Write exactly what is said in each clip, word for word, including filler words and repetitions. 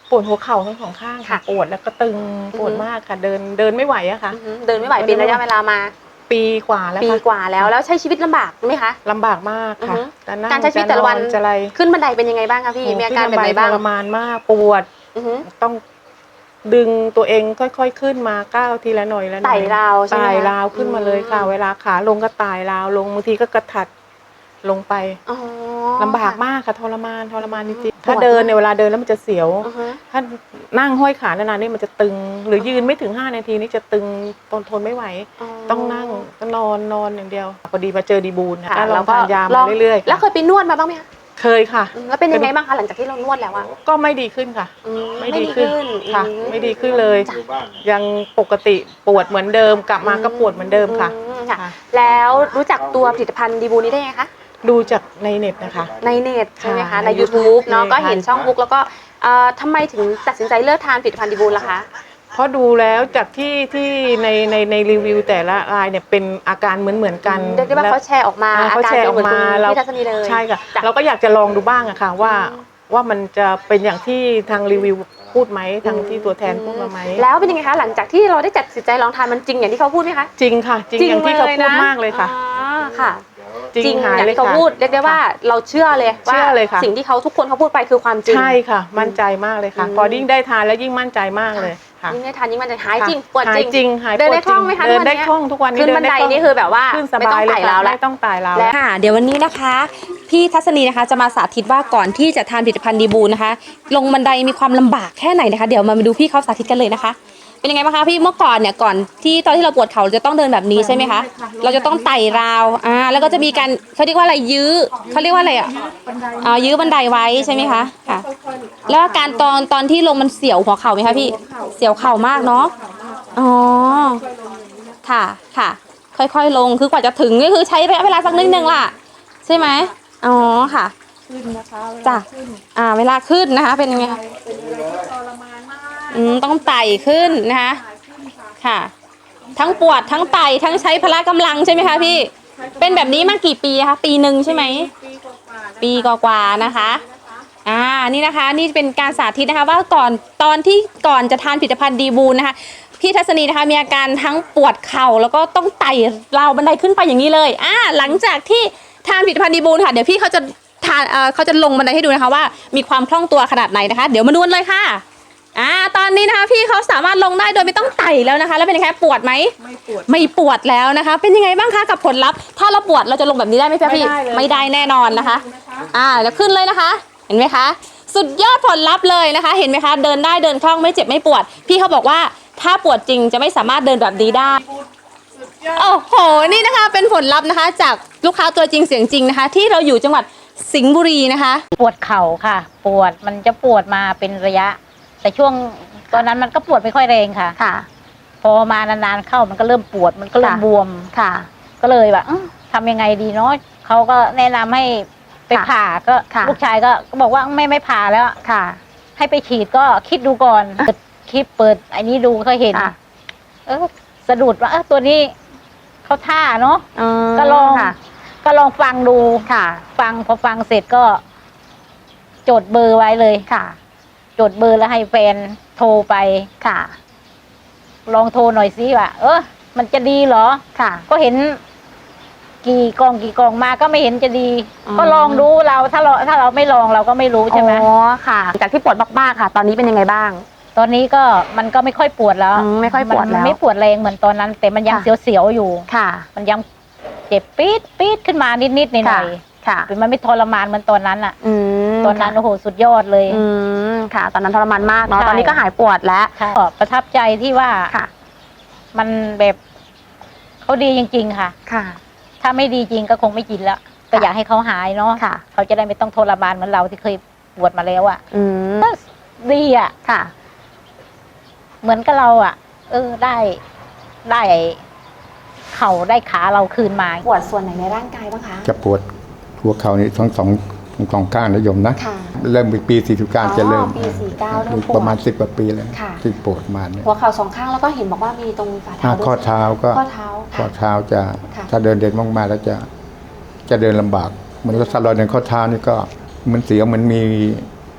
ปวดหัวเข่าทั้งสองข้างค่ะปวดแล้วก็ตึงปวดมากค่ะเดินเดินไม่ไหวอะค่ะเดินไม่ไหวเป็นระยะเวลามาปีกว่าแล้วปีกว่าแล้วแล้วใช้ชีวิตลำบากไหมคะลำบากมากค่ะการใช้ชีวิตแต่ละวันจะอะไรขึ้นบันไดเป็นยังไงบ้างคะพี่มีอาการแบบไหนบ้างทรมานมากปวดต้องดึงตัวเองค่อยๆขึ้นมาก้าวทีละหน่อยละหน่อยไต่ราวใช่ไหมไต่ราวขึ้นมาเลยค่ะเวลาขาลงก็ไต่ราวลงบางทีก็กระถัดลงไปลำบากมากค่ะทรมานทรมานจริงๆถ้าเดินในเวลาเดินแล้วมันจะเสียวถ้านั่งห้อยขานานๆนี่มันจะตึงหรือยืนไม่ถึงห้านาทีนี่จะตึงทนทนไม่ไหวต้องนั่งก็นอนนอนอย่างเดียวพอดีมาเจอดีบูลค่ะแล้วก็ทานยามาเรื่อยๆแล้วเคยไปนวดมาบ้างไหมคะเคยค่ะแล้วเป็นยังไงบ้างคะหลังจากที่เรานวดแล้วอะก็ไม่ดีขึ้นค่ะไม่ดีขึ้นค่ะไม่ดีขึ้นเลยยังปกติปวดเหมือนเดิมกลับมาก็ปวดเหมือนเดิมค่ะแล้วรู้จักตัวผลิตภัณฑ์ดีบูนี้ได้ไงคะดูจากในเน็ตนะคะในเน็ตใช่ไหมคะใน ยูทูบ เนาะก็เห็นช่องบุ๊กแล้วก็ทำไมถึงตัดสินใจเลิกทานผลิตภัณฑ์ดีบูล่ะคะเพราะดูแล้วจากที่ที่ในในในรีวิวแต่ละรายเนี่ยเป็นอาการเหมือนเหมือนกันเรียกได้ว่าเขาแชร์ออกมาเขาแชร์ออกมาเราพี่ทัศนีเลยใช่ค่ะเราก็อยากจะลองดูบ้างอะค่ะว่าว่ามันจะเป็นอย่างที่ทางรีวิวพูดไหมทางที่ตัวแทนพูดมาไหมแล้วเป็นยังไงคะหลังจากที่เราได้จัดสินใจลองทานมันจริงอย่างที่เขาพูดไหมคะจริงค่ะจริงอย่างที่เขาพูดมากเลยค่ะค่ะจริงอย่างที่เขาพูดเรียกได้ว่าเราเชื่อเลยว่าสิ่งที่เขาทุกคนเขาพูดไปคือความจริงใช่ค่ะมั่นใจมากเลยค่ะพอยิ่งได้ทานแล้วยิ่งมั่นใจมากเลยยิ่งได้ทานยิ่งมั่นใจหายจริงปวดจริงเดินได้คล่องไหมคะเดินได้คล่องทุกวันนี้ขึ้นบันไดนี่คือแบบว่าไม่ต้องไต่ราวแล้วไม่ต้องไต่ราวแล้วค่ะเดี๋ยววันนี้นะคะพี่ทัศนีนะคะจะมาสาธิตว่าก่อนที่จะทานผลิตภัณฑ์ดีบูนะคะลงบันไดมีความลำบากแค่ไหนนะคะเดี๋ยวมาดูพี่เขาสาธิตกันเลยนะคะเป็นยังไงบ้างคะพี่เมื่อก่อนเนี่ยก่อนที่ตอนที่เราปวดเข่าจะต้องเดินแบบนี้ใช่ไหมคะเราจะต้องไต่ราวอ่าแล้วก็จะมีการเขาเรียกว่าอะไรยื้อเขาเรียกว่าอะไรอ่ะอ่ายื้อบันไดไว้ใช่ไหมคะค่ะแล้วการตอนตอนที่ลงมันเสียวหัวเข่าไหมคะพี่เสียวเข่ามากเนาะอ๋อค่ะค่ะค่อยๆลงคือกว่าจะถึงก็คือใช้ระยะเวลาสักนิดนึงล่ะใช่ไหมอ๋อค่ะขึ้นนะคะจ้ะอ่าเวลาขึ้นนะคะเป็นยังไงคะอืมต้องไต่ขึ้นนะคะค่ะทั้งปวดทั้งไต่ทั้งใช้พละกำลังใช่ไหมคะพี่เป็นแบบนี้มากี่ปีคะปีหนึ่งใช่ไหมปีกว่าๆนะคะอ่านี่นะคะนี่เป็นการสาธิตนะคะว่าก่อนตอนที่ก่อนจะทานผลิตภัณฑ์ดีบูนะคะพี่ทัศนีนะคะมีอาการทั้งปวดเข่าแล้วก็ต้องไต่ราวบันไดขึ้นไปอย่างนี้เลยอ่าหลังจากที่ทานผลิตภัณฑ์ดีบูค่ะเดี๋ยวพี่เขาจะทานเอ่อเขาจะลงบันไดให้ดูนะคะว่ามีความคล่องตัวขนาดไหนนะคะเดี๋ยวมาดูเลยค่ะอ่าตอนนี้นะคะพี่เขาสามารถลงได้โดยไม่ต้องไต่แล้วนะคะแล้วเป็นยังไงปวดไหมไม่ปวดไม่ปวดแล้วนะคะเป็นยังไงบ้างคะกับผลลัพธ์ถ้าเราปวดเราจะลงแบบนี้ได้ไหมพี่ไม่ได้แน่นอนนะคะอ่าแล้วขึ้นเลยนะคะเห็นไหมคะสุดยอดผลลัพธ์เลยนะคะเห็นไหมคะเดินได้เดินคล่องไม่เจ็บไม่ปวดพี่เขาบอกว่าถ้าปวดจริงจะไม่สามารถเดินแบบนี้ได้โอ้โหนี่นะคะเป็นผลลัพธ์นะคะจากลูกค้าตัวจริงเสียงจริงนะคะที่เราอยู่จังหวัดสิงห์บุรีนะคะปวดเข่าค่ะปวดมันจะปวดมาเป็นระยะแต่ช่วงตอนนั้นมันก็ปวดไม่ค่อยแรงค่ะค่ะพอมานานๆเข้ามันก็เริ่มปวดมันก็เริ่มบวมค่ะก็เลยแบบทำยังไงดีเนาะเขาก็แนะนำให้ไปผ่าก็ลูกชายก็บอกว่าไม่ไม่ผ่าแล้วค่ะให้ไปฉีดก็คิดดูก่อนคลิปเปิดไอ้นี้ดูก็เห็นเออสะดุดว่าเออตัวนี้เขาท่าเนาะก็ลองก็ลองฟังดูค่ะฟังพอฟังเสร็จก็จดเบอร์ไว้เลยค่ะจดเบอร์แล้วให้แฟนโทรไปค่ะลองโทรหน่อยสิว่าเออมันจะดีเหรอค่ะก็เห็นกี่กล่องกี่กล่องมาก็ไม่เห็นจะดีก็ลองดูเราถ้าเราถ้าเราไม่ลองเราก็ไม่รู้ใช่ไหมอ๋อค่ะจากที่ปวดมากๆค่ะตอนนี้เป็นยังไงบ้างตอนนี้ก็มันก็ไม่ค่อยปวดแล้วไม่ค่อยปวดแล้วไม่ปวดแรงเหมือนตอนนั้นแต่มันยังเสียวๆอยู่ค่ะมันยังเจ็บปี๊ดปี๊ดขึ้นมานิดๆหน่อยๆค่ะมันไม่ทรมานเหมือนตอนนั้นอ่ะตอนนั้นโอ้โหสุดยอดเลยอืมค่ะตอนนั้นทรมานมากเนาะตอนนี้ก็หายปวดแล้วก็ประทับใจที่ว่ามันแบบเขาดีจริงๆค่ะค่ะถ้าไม่ดีจริงก็คงไม่กินแล้วก็อยากให้เขาหายเนาะเขาจะได้ไม่ต้องทรมานเหมือนเราที่เคยปวดมาแล้วอ่ะก็ดีอ่ะค่ะเหมือนกับเราอ่ะเออได้ได้เข่าได้ขาเราคืนมาปวดส่วนไหนในร่างกายบ้างคะจะปวดหัวเข่านี่ทั้งสองทั้งสองข้างนะโยมนะเริ่มปีสี่สิบเก้าจะเริ่มปีสี่เก้าเริ่มปวดประมาณสิบกว่าปีแล้วที่ปวดมาเนี่ยหัวเข่าสองข้างแล้วก็เห็นบอกว่ามีตรงฝ่าเท้าข้อเท้าก็ข้อเท้าข้อเท้าจะถ้าเดินเด่นมากๆแล้วจะจะเดินลำบากเหมือนกับสลอยในข้อเท้านี่ก็มันเสียวมันมี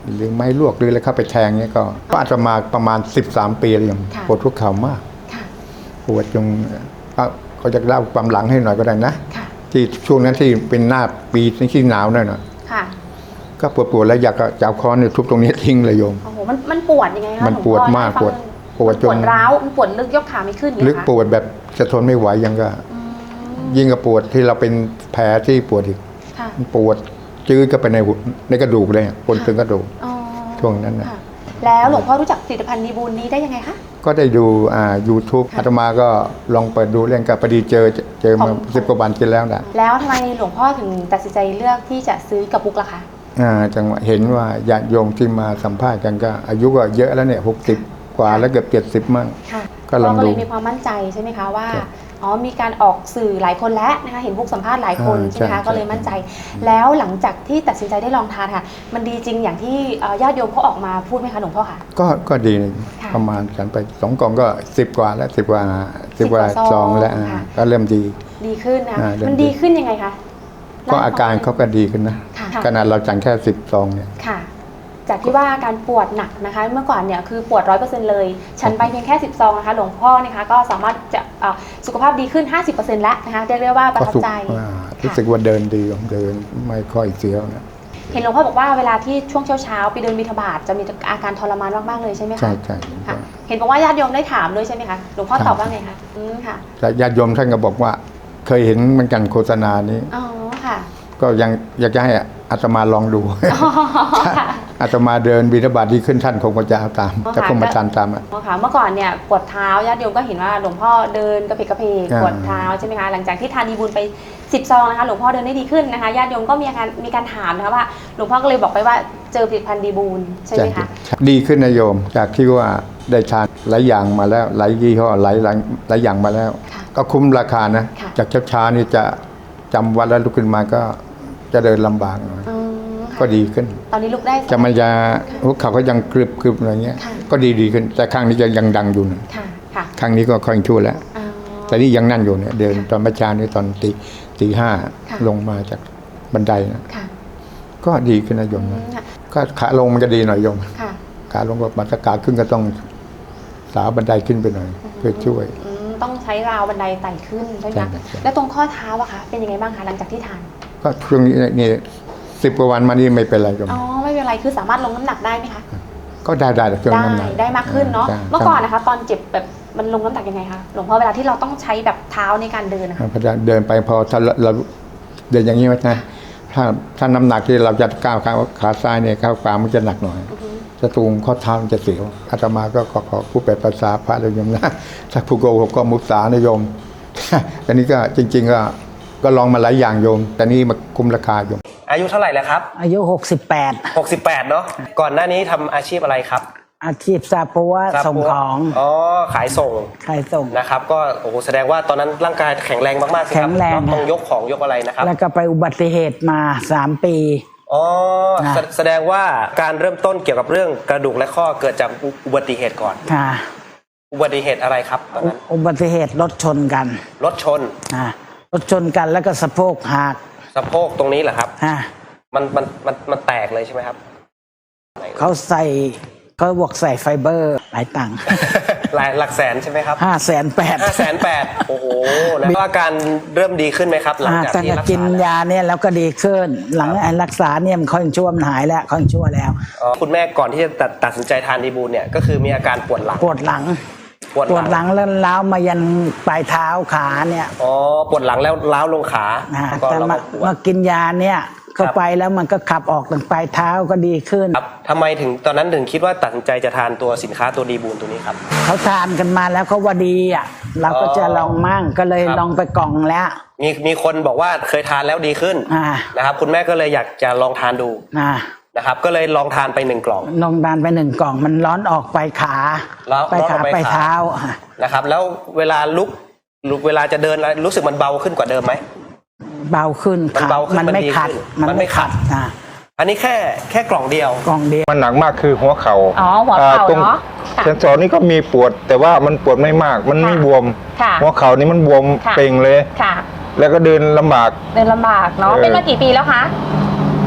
หรือไม้ลวกหรืออะไรเข้าไปแทงเนี่ยก็ก็อาจจะมาประมาณสิบสามปีเลยโยมปวดทุกเข่ามากปวดจนเขาจะเล่าความหลังให้หน่อยก็ได้นะที่ช่วงนั้นที่เป็นหน้าปีที่หนาวหน่อยนะก็ปวดปวดแล้วอยากจะเอาค้อนเนี่ยทุบตรงนี้ทิ้งเลยโยมโอ้โหมันมันปวดยังไงคะมันปวดมากปวดปวดจนปวดร้าวมันปวดลึกยกขาไม่ขึ้นลึกปวดแบบจะทนไม่ไหวยังก็ยิ่งกับปวดที่เราเป็นแผลที่ปวดอีกปวดจืดก็ไปในในกระดูกเลยปนถึงกระดูกช่วงนั้นนะแล้วหลวงพ่อรู้จักผลิตภัณฑ์ดีบูลนี้ได้ยังไงคะก็ได้ดูอ่า ยูทูบ อาตมาก็ลองเปิดดูเรื่องกับพอดีเจอเจอมาสิบกว่าวันกินแล้วนะแล้วทำไมหลวงพ่อถึงตัดสินใจเลือกที่จะซื้อกับปุกล่ะคะอ่าจังหวะเห็นว่าญาติโยมที่มาสัมภาษณ์กันก็อายุก็เยอะแล้วเนี่ยหกสิบกว่าแล้วเกือบเจ็ดสิบมั่งก็ลองดูก็เลยมีความมั่นใจใช่ไหมคะว่าอ๋อมีการออกสื่อหลายคนแล้วนะคะเห็นพวกสัมภาษณ์หลายคนใช่ไหมคะก็เลยมั่นใจแล้วหลังจากที่ตัดสินใจได้ลองทานค่ะมันดีจริงอย่างที่ญาติโยมเขาออกมาพูดไหมคะหลวงพ่อคะก็ก็ดีประมาณฉันไปสองกล่องก็สิบกว่าแล้วสิบกว่าสิบกว่าซองแล้วก็เริ่มดีดีขึ้นนะมันดีขึ้นยังไงคะก็อาการเขาก็ดีขึ้นนะขนาดเราจังแค่สิบซองเนี่ยจากที่ว่าการปวดหนักนะคะเมื่อก่อนเนี่ยคือปวดร้อยเปอร์เซ็นต์เลยฉันไปเพียงแค่สิบซองนะคะหลวงพ่อนะคะก็สามารถจะสุขภาพดีขึ้น ห้าสิบเปอร์เซ็นต์ แล้วนะคะเรียกได้ว่าประทับใจรู้สึกว่าเดินดีเดินไม่ค่อยเสียวนะเห็นหลวงพ่อบอกว่าเวลาที่ช่วงเช้าๆไปเดินบิณฑบาตจะมีอาการทรมานมากๆเลยใช่ไหมคะใช่ใช่เห็นบอกว่าญาติโยมได้ถามด้วยใช่ไหมคะหลวงพ่อตอบว่าไงคะอืมค่ะญาติโยมท่านก็บอกว่าเคยเห็นเหมือนกันโฆษณานี้อ๋อค่ะก็ยังอยากจะให้อาตมาลองดูอาตมาเดินบิณฑบาตที่ขึ้นท่านคงจะตามจะคงมาทานตามอ่ะเมื่อก่อนเนี่ยปวดเท้าญาติโยมก็เห็นว่าหลวงพ่อเดินกระเพกกระเพกปวดเท้าใช่ไหมคะหลังจากที่ทานดีบุญไปสิบซองนะคะหลวงพ่อเดินได้ดีขึ้นนะคะญาติโยมก็มีการมีการถามนะคะว่าหลวงพ่อก็เลยบอกไปว่าเจอผลิตภัณฑ์ดีบุญใช่ไหมคะดีขึ้นนะโยมจากที่ว่าได้ทานหลายอย่างมาแล้วหลายยี่ห้อหลายหลายอย่างมาแล้วก็คุ้มราคานะจากช้าๆนี่จะจำวัดแล้วลุกขึ้นมาก็จะเดินลำบากหน่อยก็ดีขึ้นตอนนี้ลุกได้จะมันจะหัวเข่าก็ยังกรึบกรึบอะไรเงี้ยก็ดีดีขึ้นแต่ข้างนี้จะยังดังอยู่นะข้างนี้ก็ค่อยชั่วแล้วแต่นี่ยังนั่นอยู่เนี่ยเดินตอนเมื่อเช้านี้ตอนตีตีห้าลงมาจากบันไดนะก็ดีขึ้นนะโยมนะก็ขาลงมันจะดีหน่อยโยมขาลงก็มาตะกาขึ้นก็ต้องสาวบันไดขึ้นไปหน่อยเพื่อช่วยต้องใช้ราวบันไดไต่ขึ้นใช่ไหมแล้วตรงข้อเท้าอะคะเป็นยังไงบ้างคะหลังจากที่ทานก็ช่วงนี้นี่สิบกว่าวันมานี่ไม่เป็นไรโยมอ๋อไม่เป็นไรคือสามารถลงน้ำหนักได้ไหมคะก็ได้ได้ช่วงน้ำหนักได้มากขึ้นเนาะเมื่อก่อนนะคะตอนเจ็บแบบมันลงน้ำหนักยังไงคะหลวงพ่อเวลาที่เราต้องใช้แบบเท้าในการเดินนะคะพอเดินไปพอถ้าเราเดินอย่างนี้ไหมนะถ้าถ้าน้ำหนักที่เราจะก้าวขาขาซ้ายเนี่ยก้าวขวามันจะหนักหน่อยจะตูงข้อเท้ามันจะเสียวอาตมาก็ขอขอผู้แปลภาษาพระเลยโยมนะถ้าผู้โกหกก็มุสานะโยมแต่นี้ก็จริงๆก็ก็ลองมาหลายอย่างโยมแต่นี่มาคุ้มราคาโยมอายุเท่าไหร่แล้วครับอายุหกสิบแปดหกสิบแปดเนาะก่อนหน้านี้ทำอาชีพอะไรครับอาชีพซาปัวส่งของอ๋อขายส่งขายส่งนะครับก็โอ้โหแสดงว่าตอนนั้นร่างกายแข็งแรงมากๆสิครับต้องยกของยกอะไรนะครับแล้วก็ไปอุบัติเหตุมาสามปีอ๋อแสดงว่าการเริ่มต้นเกี่ยวกับเรื่องกระดูกและข้อเกิดจากอุบัติเหตุก่อนค่ะอุบัติเหตุอะไรครับตอนนั้นอุบัติเหตุรถชนกันรถชนอ่ารถชนกันแล้วก็สะโพกหักสะโพกตรงนี้เหรอครับอ่ามันมันมันมันแตกเลยใช่ไหมครับเขาใส่เขาบวกใส่ไฟเบอร์หลายตังค์หลายหลักแสนใช่ไหมครับห้าแสนแปดห้าแสนแปดโอ้โหแล้วอาการเริ่มดีขึ้นไหมครับหลังจากที่รักษากินยาเนี่ยแล้วก็ดีขึ้นหลังรักษาเนี่ยมันค่อยชั่วมันหายแล้วค่อยชั่วแล้วคุณแม่ก่อนที่จะตัดสินใจทานดีบูลเนี่ยก็คือมีอาการปวดหลังปวดหลังปวดหลังแล้วล้าวมายันปลายเท้าขาเนี่ยอ๋อปวดหลังแล้วล้าวลงขาแต่มามากินยาเนี่ยเข้าไปแล้วมันก็ขับออกถึงปลายเท้าก็ดีขึ้นครับทำไมถึงตอนนั้นถึงคิดว่าตัดสินใจจะทานตัวสินค้าตัวดีบูลตัวนี้ครับเขาทานกันมาแล้วเขาว่าดีอ่ะเราก็จะลองมั่งก็เลยลองไปกล่องแล้วมีมีคนบอกว่าเคยทานแล้วดีขึ้นนะครับคุณแม่ก็เลยอยากจะลองทานดูนะครับก็เลยลองทานไปหนึ่งกล่องลองทานไปหนึ่งกล่องมันร้อนออกไปขาไปขาไปเท้านะครับแล้วเวลาลุกลุกเวลาจะเดินรู้สึกมันเบาขึ้นกว่าเดิมไหมเบาขึ้นมันเบาขึ้นมันไม่ขัดมันไม่ขัดอ่าอันนี้แค่แค่กล่องเดียวกล่องเดียวมันหนักมากคือหัวเข่าอ๋อหัวเข่าเนาะเซนสอนนี่ก็มีปวดแต่ว่ามันปวดไม่มากมันไม่บวมหัวเข่านี่มันบวมเป่งเลยแล้วก็เดินลำบากเดินลำบากเนาะเป็นมากี่ปีแล้วคะ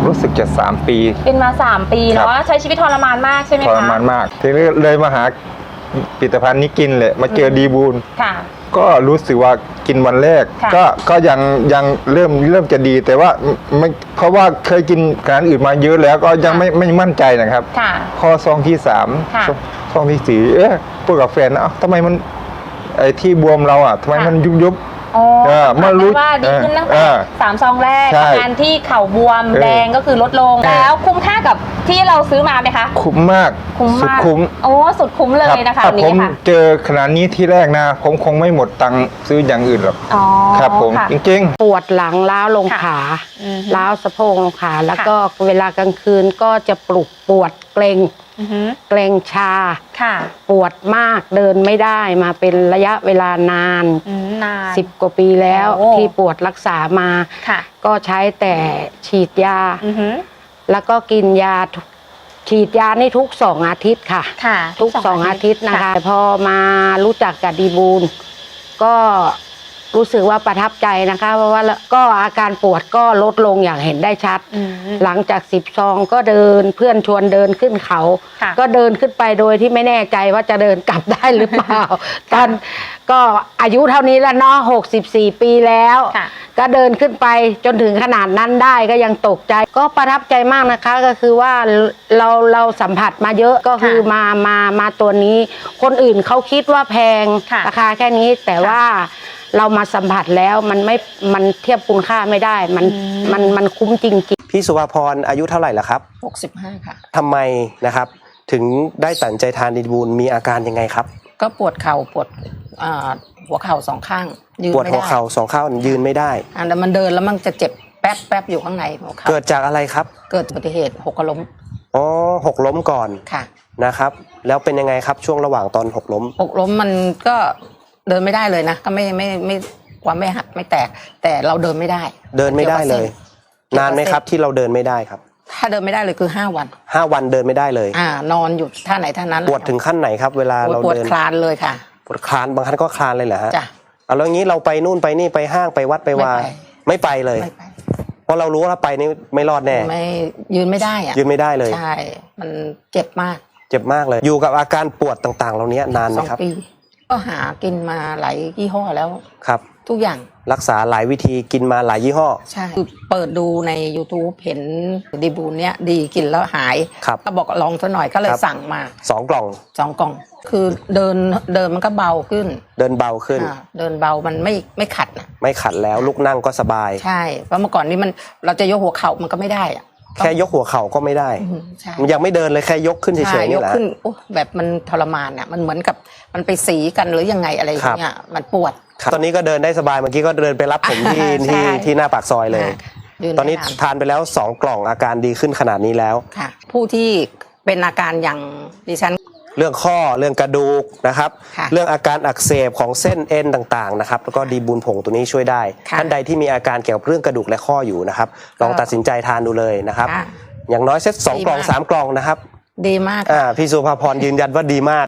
รู้สึกจะสามปีเป็นมาสามปีครัเนาะบใช้ชีวิตทรมานมากใช่ไหมทคะรมานมากทีนี้เลยมาหาผลิตภัณฑ์นี้กินเลยมาเจอดีบูลค่ะก็รู้สึกว่ากินวันแรกค่ะก็ก็ยังยังเริ่มเริ่มจะดีแต่ว่าไม่เพราะว่าเคยกินอาหารอื่นมาเยอะแล้วก็ยังไม่ไม่มั่นใจนะครับค่ะพอซองที่สามค่ะซองที่สี่เอ๊ะพูดกับแฟนนะเอ้าทำไมมันไอ้ที่บวมเราอ่ะทำไมมันยุบยุบอ๋อเออเมื่อรู้ว่าดีขึ้นตั้งเอแต่อสามซองแรกใช่อาการที่เข่าบวมเออแดงก็คือลดลงเออแล้วคุ้มค่ากับที่เราซื้อมาไหมคะคุ้มมากคุ้มสุดมากคุ้มโอ้สุดคุ้มเลยนะคะถ้าอันผนี้มค่ะเจอขนาดนี้ที่แรกนะ ผมคงไม่หมดตังค์ซื้ออย่างอื่นหรอกอ๋อครับผมค่ะจริงปวดหลังล้าวลงค่ะขาอือฮึล้าวสะโพกลงขา แล้วค่ะก็เวลากลางคืนก็จะปลุกปวดเกรงอือฮึเกรงชาค่ะปวดมากเดินไม่ได้มาเป็นระยะเวลานานอืมนานสิบกว่าปีแล้วโอ้ที่ปวดรักษามาค่ะก็ใช้แต่ฉีดยาอือฮึแล้วก็กินยาทุกฉีดยานี่ทุกสองอาทิตย์ค่ะค่ะทุกสองอาทิตย์นะคะแต่พอมารู้จักกับดีบูลก็รู้สึกว่าประทับใจนะคะ เพราะว่าก็อาการปวดก็ลดลงอย่างเห็นได้ชัดอืมหลังจากสิบซองก็เดินเพื่อนชวนเดินขึ้นเขาค่ะก็เดินขึ้นไปโดยที่ไม่แน่ใจว่าจะเดินกลับได้หรือเปล่า ตอนก็อายุเท่านี้แล้วเนาะหกสิบสี่ปีแล้วค่ะก็เดินขึ้นไปจนถึงขนาดนั้นได้ก็ยังตกใจ ก็ประทับใจมากนะคะก็คือว่าเราเราสัมผัสมาเยอะก็คือค่ะมามามาตัวนี้ คนอื่นเขาคิดว่าแพงค่ะราคาแค่นี้แต่ว่าเรามาสัมผัสแล้วมันไม่มันเทียบคุณค่าไม่ได้ มันมันมันคุ้มจริงๆพี่สุภาพรอายุเท่าไหร่ละครับหกสิบห้าค่ะทำไมนะครับ ถึงได้ตัดสินใจทานดีบูลมีอาการยังไงครับก็ปวดเข่าปวดอ่าหัวเข่าสองข้างยืนปวดไม่หัวได้เข่าสองข้างยืนไม่ได้อ่าแต่มันเดินแล้วมันจะเจ็บแป๊บแป๊บอยู่ข้างในหัวเข่าเกิดจากอะไรครับเกิดอุบัติเหตุหกล้มอ๋อหกล้มก่อนค่ะนะครับ แล้วเป็นยังไงครับช่วงระหว่างตอนหกล้มหกล้มมันก็เดินไม่ได้เลยนะ ก็ไม่ไม่ไม่ความไม่หักไม่แตก แต่เราเดินไม่ได้เดินไม่ได้เลยกี่ยวกับเส้นานไหมครับที่เราเดินไม่ได้ครับถ้าเดินไม่ได้เลยคือห้าวันห้าวันเดินไม่ได้เลยอ่านอนอยู่ท่าไหนท่านั้นปวดถึงขั้นไหนครับ เวลาปวดเราปวดเดินคลานเลยค่ะปวดคลานบางครั้งก็คลานเลยเหรอฮะจ้ะเอาแล้วงี้เราไปนู่นไปนี่ไปห้างไปวัดไปวาไม่ไปไม่ไปเลยไม่ไปเพราะเรารู้ว่าถ้าไปนี่ไม่รอดแน่ไม่ยืนไม่ได้อะยืนไม่ได้เลยใช่ มันเจ็บมากเจ็บมากเลย อยู่กับอาการปวดต่างๆ เหล่านี้นานไหสมองครับปี ก็หากินมาหลายยี่ห้อแล้วครับทุกอย่างรักษาหลายวิธีกินมาหลายยี่ห้อใช่คือเปิดดูใน YouTube เห็นดีบูนเนี้ยดีกินแล้วหายครับก็บอกลองซะหน่อยก็เลยครับสั่งมาสองกล่องสองกล่อง คือเดินเดินมันก็เบาขึ้นเดินเบาขึ้นอ่าเดินเบามันไม่ไม่ขัดนะไม่ขัดแล้วลุกนั่งก็สบายใช่เพราะเมื่อก่อนนี้มันเราจะยกหัวเข่ามันก็ไม่ได้อะแค่ยกหัวเข่าก็ไม่ได้อืมใช่มันยังไม่เดินเลยแค่ยกขึ้นเฉใช่ยๆยนี่กแหละขึ้นโอ้แบบมันทรมานอ่ะมันเหมือนกับมันไปสีกันหรือยังไงอะไรอย่างเงี้ยมันปวดครับตอนนี้ก็เดินได้สบายเมื่อกี้ก็เดินไปรับผมที่ใช่ที่ที่หน้าปากซอยเลยยืตอนนี้ไม่าทานไปแล้วสองกล่องอาการดีขึ้นขนาดนี้แล้วค่ะ ผู้ที่เป็นอาการอย่างดิฉันเรื่องข้อเรื่องกระดูกนะครับค่ะเรื่องอาการอักเสบของเส้นเอ็นต่างๆนะครับแล้วก็ดีบูลผงตัวนี้ช่วยได้ค่ะท่านใดที่มีอาการเกี่ยวกับเรื่องกระดูกและข้ออยู่นะครับลองตัดสินใจทานดูเลยนะครับค่ะอย่างน้อยเซตสองดีกล่องมากสามกล่องนะครับดีมากอ่าพี่สุภาพรยืนยันว่าดีมาก